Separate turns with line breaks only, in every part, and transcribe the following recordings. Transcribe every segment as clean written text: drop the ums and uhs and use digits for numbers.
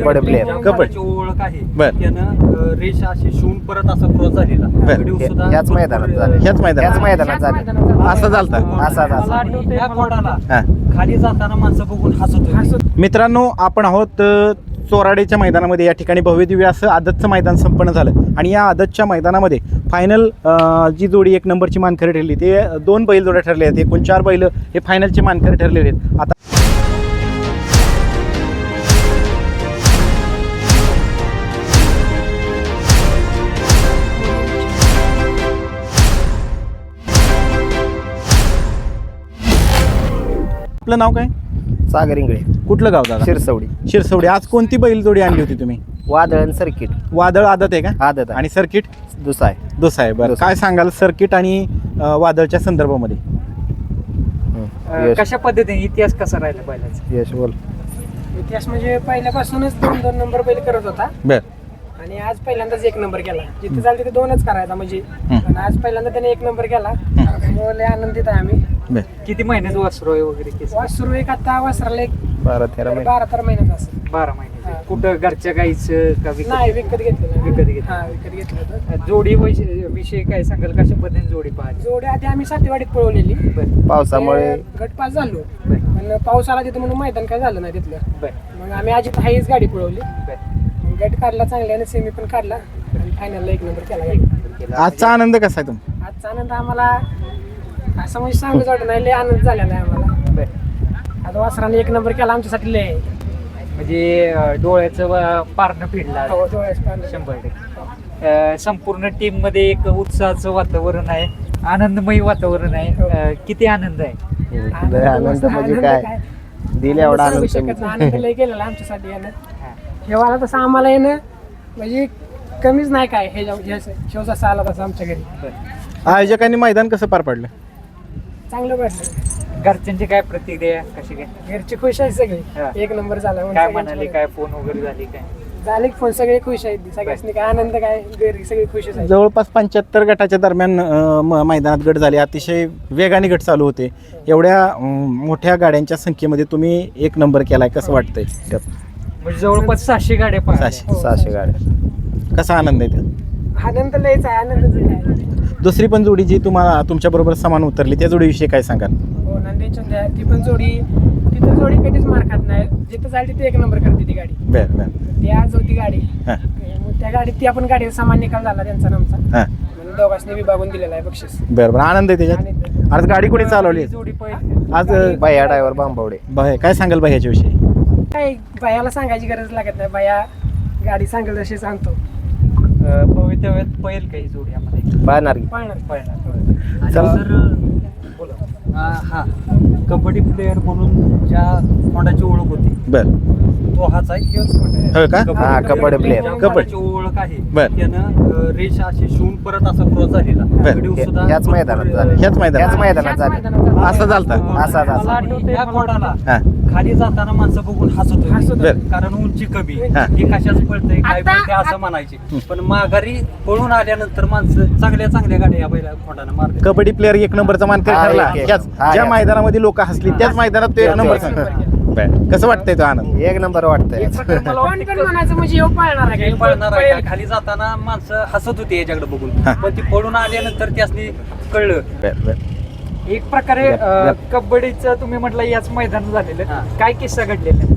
Kabaddi player
kabaddi ओळख आहे.
बर.
त्यानं रेष अशी शिवून परत असा क्रॉस झालेला. व्हिडिओ सुद्धा
ह्याच मैदानात झालं.
ह्याच मैदानात
झालं.
असं झालता.
मला आठवतंय या कोणाला
हा.
खाली जाताना माणसं बघून हसत होती.
मित्रांनो, आपण आहोत चोराडेच्या मैदानामध्ये. या ठिकाणी भव्यदिव्य असं आदतचं मैदान संपन्न झालं आणि या आदतच्या मैदानामध्ये फायनल जी जोडी एक नंबरची मानकरी ठरली ते 2 बैल जोड्या ठरल्या आहेत. एकूण 4 बैल हे फायनलचे मानकरी ठरलेले आहेत. आता आपलं नाव काय?
सागर इंगळे,
कुठलं गाव दादा?
शिरसवडी.
शिरसवडी. आज कोणती बैल जोडी आणली होती तुम्ही?
वादळ सर्किट
वादळ आदत आहे का?
आदत
आणि सर्किट
दुसरा आहे.
दुसरा आहे. बरं, काय सांगाल सर्किट आणि वादळच्या संदर्भामध्ये?
कशा पद्धतीने इतिहास कसा राहिला बैलाचा?
यश बोल.
इतिहास म्हणजे पहिल्यापासूनच 2-2 नंबर बैल करत होता
बर.
आणि आज पहिल्यांदाच 1 नंबर केला. जिथे जाईल तिथे 2च करायचा म्हणजे. आणि आज पहिल्यांदा त्याने 1 नंबर केला. त्यामुळे लय आनंदित आहे आम्ही.
बर.
किती महिन्याचं वासरू आहे वगैरे केस?
वासरू एक आता वासराला
12-13 महिने.
12-13 महिन्याचा असेल.
12 महिन्याचं. कुठं घरच्या गाईचं का विकत?
नाही विकत घेतलेलं.
विकत घेतलं.
हा विकत घेतलं होतं.
जोडी विषयी काय सांगाल? कशा पद्धतीने जोडी पाहिजे?
जोडी आधी आम्ही सातेवाडीत पळवलेली.
पावसामुळे
गट पास झालो पण पाऊस आला तिथं म्हणून मैदान काय झालं नाही तिथलं.
बर.
मग आम्ही आजी हाईच गाडी पळवली.
बर.
मग गट काढला चांगल्याने, सेमी पण काढला आणि फायनलला 1 नंबर केला गाडी.
आजचा आनंद कसा आहे तुम्ही?
आजचा आनंद आम्हाला असं म्हणजे सांगूच वाटत नाही. लय आनंद झालेला आहे आम्हाला.
बर.
आता वासराने 1 नंबर केला आमच्यासाठी लय.
म्हणजे डोळ्याचं पारणं फिरला
हो, डोळ्याचं पारणं.
100%. संपूर्ण टीम मध्ये एक उत्साहाचं वातावरण आहे, आनंदमयी वातावरण आहे. किती आनंद आहे?
आनंद म्हणजे काय दिल एवढा
सांगू
आनंद
शकत नाही. आनंद लय केलेला आहे आमच्यासाठी यानं. जेव्हा आला तसं आम्हाला येणं म्हणजे कमीच नाही काय. हे शेव जसा आला तसं आमच्या घरी.
आयोजकांनी मैदान कसं पार पाडलं?
चांगलं वाटलं.
घरच्यांची काय प्रतिक्रिया कशी काय?
घरची खुश आहे
हा.
सगळी. 1 नंबर झाला म्हणून
काय
सगळ्यांची
म्हणाले? काय फोन वगैरे झाली काय?
झाले फोन सगळे खुश आहेत. सगळ्यांनी काय आनंद काय घरी सगळे खुशच आहेत.
जवळपास 75 गटाच्या दरम्यान मैदानात गट झाले. अतिशय वेगाने गट चालू होते. एवढ्या मोठ्या गाड्यांच्या संख्येमध्ये तुम्ही 1 नंबर केलाय, कसं वाटतंय?
म्हणजे जवळपास 600 गाड्या पाहिजे.
600 गाड्या.
कसा आनंद आहे ते?
आनंद लयच आहे. आनंदच आहे.
दुसरी पण जोडी जी तुम्हाला तुमच्याबरोबर समान उतरली त्या जोडीविषयी काय सांगाल?
हो, नंदी चंद्या ती पण जोडी. तिथं जोडी कधीच मार खात नाही. जिथं जाईल तिथे 1 नंबर करते ती गाडी.
बर बर.
ती आज होती गाडी.
हां
मग त्या गाडीत ती आपण गाडीचा सामान निकाल झाला त्यांचा आमचा.
हां.
म्हणून दोघांनी विभागून दिलेला आहे बक्षीस.
बरं बरं. आनंद आहे त्याच्यात. आज गाडी कोणी चालवली?
जोडी पहिली.
आज
बाया ड्रायव्हर बांबवडे.
काय सांगाल बाई ह्याच्याविषयी?
काय बायाला सांगायची गरज लागत नाही. बाया गाडी सांगेल तशी सांगतो.
भवितव्यात पहिल काही जोडी आम्हाला
पाहणार की
पाळणार.
पहिला.
चला.
बोला. हा कबड्डी प्लेअर म्हणून ज्या होंडाची ओळख होती
बरं.
तो हाच आहे.
हो का?
हा, कबड्डी प्लेअर.
कबड्डी ओळख आहे.
बर.
त्यानं रेष अशी शिवून परत असा क्रॉस झालेला.
बर.
व्हिडिओ सुद्धा
ह्याच मैदानात झालं.
ह्याच मैदानात
झालं.
असं झालता.
असा
मला आठवतंय या कोणाला
हां
खाली जाताना माणसं बघून हसत होती.
बर.
कारण उंची कमी.
हा.
हे कशाच पळतंय काय
आता-
पळतंय असं म्हणायचे. पण माघारी पळून आल्यानंतर माणसं चांगल्या गाड्या या बैला खोंडानं मारले.
कबड्डी प्लेअर 1 नंबरचा मानकरी
हा,
ठरला.
एक.
त्याच
हा,
ज्या
एक.
मैदानामध्ये लोक हसली त्याच मैदानात तो 1 नंबर
त्याच
बरं. कसं वाटतंय तो आनंद?
1 नंबर वाटतंय.
कोण पण म्हणायचं म्हणजे ह्यो पाळणार आहे.
पळणार आहे का? खाली जाताना माणसं हसत होती याच्याकडे बघून.
हा.
पण ती पळून आल्यानंतर त्यासनी कळलं.
बरं बरं.
एक प्रकारे कबड्डीचं तुम्ही म्हटलं याच मैदान झालेलं. काय किस्सा घडलेला?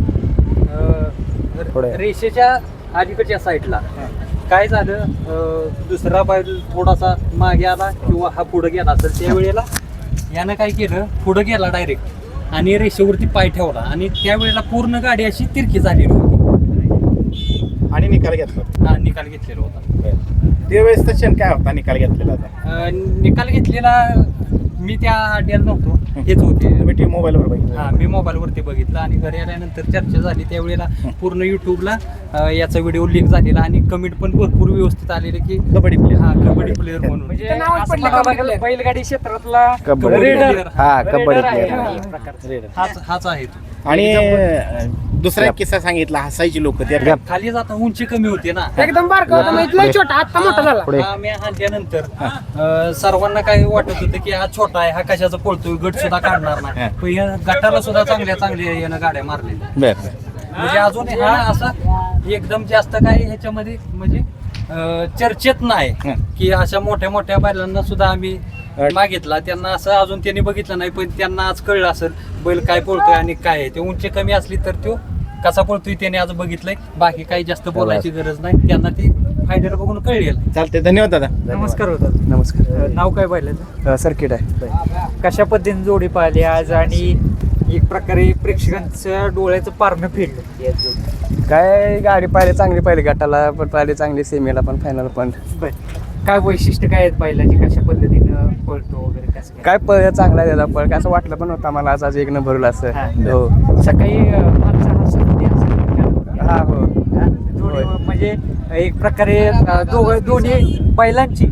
पुढे.
रेषेच्या अलीकडच्या साईडला काय झालं, दुसरा बैल थोडासा मागे आला किंवा हा पुढे गेला असेल त्यावेळेला यानं काय केलं, पुढे गेला डायरेक्ट आणि रेषेवरती पाय ठेवला आणि त्यावेळेला पूर्ण गाडी अशी तिरकी झालेली होती
आणि निकाल घेतला.
हा निकाल घेतलेला होता.
त्यावेळेस क्षण काय होता निकाल घेतलेला होता?
निकाल घेतलेला मी त्या अड्ड्याला नव्हतो, हेच होते.
तुम्ही टीव्ही मोबाईलवर बघितलं?
हा, मी मोबाईलवरती बघितलं आणि घरी आल्यानंतर चर्चा झाली. त्यावेळेला पूर्ण युट्यूबला याचा व्हिडिओ लीक झालेला आणि कमेंट पण भरपूर व्यवस्थित आलेले की
कबड्डी प्लेअर.
हा कबड्डी प्लेअर म्हणून. म्हणजे
ते नावच
असं
पडलं
बघावं
कबड्डी
लागेल,
player.
बैलगाडी क्षेत्रातला
कबड्डी
रेडर.
player. हा, कबड्डी
रेडर आहे
player.
हा, एक प्रकारचा.
रेडर.
हाच आहे तो.
आणि दुसरा एक किस्सा सांगितला, हसायची लोक त्या
खाली जाता उंची कमी होते ना.
एकदम बारका होता म्हणजे लय छोटा, आता मोठा झाला.
पुढे.
हा, मी हाणल्यानंतर सर्वांना काय वाटत होतं की हा छोटा आहे, हा कशाचा पळतोय, गट सुद्धा काढणार नाही. पण या गटाला सुद्धा चांगल्या यानं गाड्या मारलेल्या.
बरं.
म्हणजे अजून हा असा एकदम जास्त काही ह्याच्यामध्ये म्हणजे चर्चेत नाही की अशा मोठ्या मोठ्या बैलांना सुद्धा आम्ही मागितला, त्यांना असं अजून त्यांनी बघितलं नाही, पण त्यांना आज कळलं असेल बैल काय पळतोय आणि काय आहे ते. उंची कमी असली तर तो कसा पळतोय त्याने आज बघितलंय, बाकी काही जास्त बोलायची गरज नाही, त्यांना ती फायद्याला बघून कळेल.
चालते, धन्यवाद दादा.
नमस्कार होता.
नमस्कार.
नाव काय बैलाचं?
सर्किट आहे.
कशा पद्धतीने जोडी पाहिली आज आणि एक प्रकारे प्रेक्षकांच्या डोळ्याचं पारणं फिरलं?
काय गाडी पाहिली, चांगली पाहिली, गटाला पण पाहिली चांगली, सेमीला पण, फायनल पण.
काय वैशिष्ट्य काय आहेत बैलाची, कशा पद्धतीनं पळतो वगैरे कसं
काय पळ चांगला आहे त्याचा पळ, काय असं वाटलं पण होतं मला आज एक नंबरला असं. हो.
सकाळी माणसं हसत होती असं.
हा हो.
जोडी म्हणजे एक प्रकारे दोन्ही बैलांची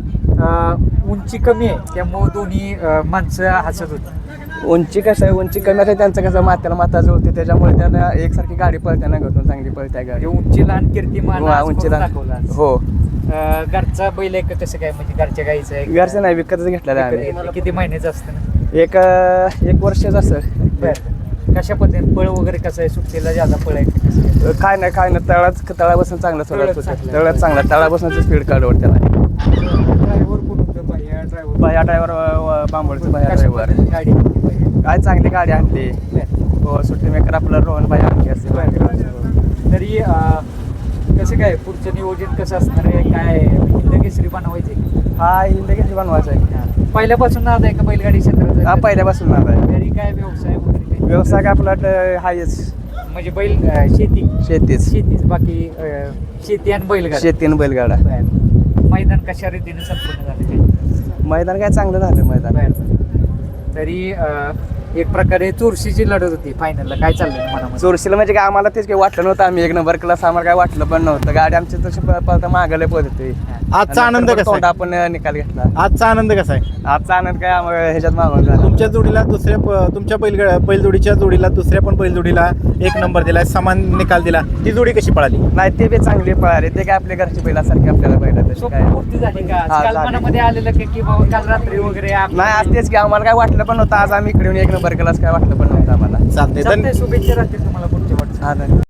उंची कमी आहे त्यामुळे दोन्ही माणसं हसत होती.
उंची कसं आहे, उंची कमी आहे, त्यांचं कसं मात्याला माता जुळते, त्याच्यामुळे त्यांना एकसारखी गाडी पळताना घटून चांगली पळते गाडी.
उंची लहान कीर्तिमान आज
उंची
करून
लहान.
दाखवलं आज.
हो.
घरचा बैल आहे का कसं काय, म्हणजे घरच्या गाईचं आहे?
घरचं नाही, विकतच घेतलेलं आहे आम्ही.
विकत किती महिन्याचं असतं ना?
एक वर्षाचं असं.
बरं. कशा पद्धतीने पळ वगैरे कसं आहे, सुट्टीला ज्यादा पळ आहे का कसं काय?
काय नाही तळापासून चांगलं
तळात
सोडत
चांगलं.
तळात चांगला, तळापासून स्पीड काढवत त्याला.
ड्रायव्हर कोण होतं? ड्रायव्हर
बाया ड्रायव्हर बांबोळचं बाया ड्रायव्हर.
गाडी किती पाहिजे?
काय चांगली गाडी आणली. हो, सुट्टी मेकर आपलं रोहन भाई आणली असते.
तरी कसं काय पुढचं नियोजन कसं असणार आहे, काय हिंदकेसरी बनवायचे?
हा हिंदकेसरी बनवायचा आहे.
पहिल्यापासून नाद आहे का बैलगाडी क्षेत्रात?
हा पहिल्यापासून नाव आहे.
घरी काय व्यवसाय वगैरे काही?
व्यवसाय काय आपला हायच
म्हणजे बैल शेतीच बाकी शेती आणि बैलगाडी.
शेती आणि बैलगाडा.
मैदान कशा रीतीने संपन्न झालं काही?
मैदान काय चांगलं झालं मैदान.
तरी एक प्रकारे चुरशीची लढत होती फायनलला, काय चाललंय मनामध्ये?
चोरशीला म्हणजे काय आम्हाला तेच काही वाटलं नव्हतं, आम्ही एक नंबर क्लास आम्हाला काय वाटलं पण नव्हतं. गाडी आमची तशी पळता मागायला पळत होती.
आजचा आनंद कसा आहे?
आपण निकाल घेतला.
आजचा आनंद कसा आहे?
आजचा आनंद काय आम्हाला ह्याच्यात मागून झाला.
तुमच्या जोडीला तुमच्या बैलजोडीच्या जोडीला दुसऱ्या पण बैलजोडीला एक नंबर दिला, समान निकाल दिला, ती जोडी कशी पळाली?
नाही ते बी चांगली पळाले, ते काय आपल्या घरची बैलासारखी आपल्याला बैला तशी काय
पूर्ती झाली का?
हा,
काल
झाली.
मनामध्ये आलेलं की बाबा काल रात्री वगैरे
नाही आज तेच की आम्हाला काय वाटलं पण नव्हतं, आज आम्ही इकडे येऊन एक नंबर केलास काय वाटलं पण नव्हतं आम्हाला.
चालते.
चालतंय, शुभेच्छा राहतील तुम्हाला पुढच्या वाटचाली.
हा, धन्यवाद.